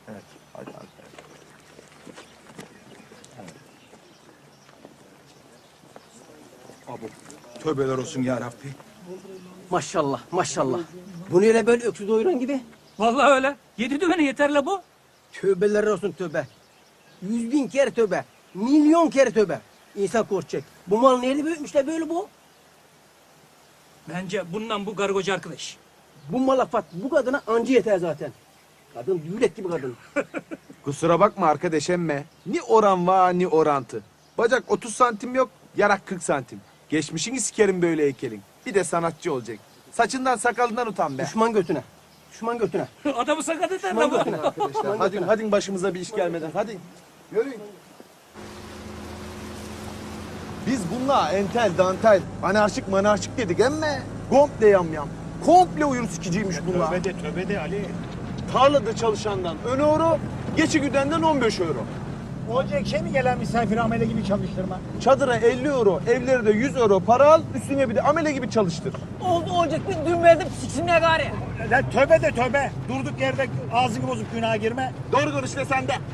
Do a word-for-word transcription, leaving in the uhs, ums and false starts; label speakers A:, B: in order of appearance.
A: Evet. Hadi hadi. Abi, tövbeler olsun ya Rabbi.
B: Maşallah, maşallah. Bu neyle böyle öksüz doyuran gibi?
C: Vallahi öyle. Yedi düvene yeter la bu.
B: Tövbeler olsun tövbe. Yüz bin kere tövbe. Milyon kere tövbe. İnsan korkacak. Bu mal neyle büyütmüşler böyle bu?
C: Bence bundan bu gargocu arkadaş.
B: Bu malafat bu kadına anca yeter zaten. Kadın düğlet gibi kadın.
A: Kusura bakma arkadaş emme. Ni oran var ni orantı. Bacak otuz santim yok, yarak kırk santim. Geçmişini sikerim böyle heykelin. Bir de sanatçı olacak. Saçından sakalından utan be.
B: Düşman götüne. Düşman götüne.
C: Adamı sakat eder
B: Düşman
C: la bu.
B: götüne.
A: Arkadaşlar hadi hadi başımıza bir iş gelmeden hadi. Yürüyün. Biz bununla entel, dantel, anarşik manarşik dedik emme. Komple yamyam. Komple uyur sikiciymiş bunlar.
D: Tövbe de tövbe de Ali.
A: Tarlada çalışandan on euro, geçi güdenden on beş euro.
D: Olacak şey mi gelen misafir amele gibi çalıştırma?
A: Çadıra elli euro, evlere de yüz euro para al, üstüne bir de amele gibi çalıştır.
B: Oldu olacak bir düğün verdim siksinler gari.
D: Lan tövbe de tövbe. Durduk yerde ağzını bozup günaha girme.
A: Doğru konuş de sen de.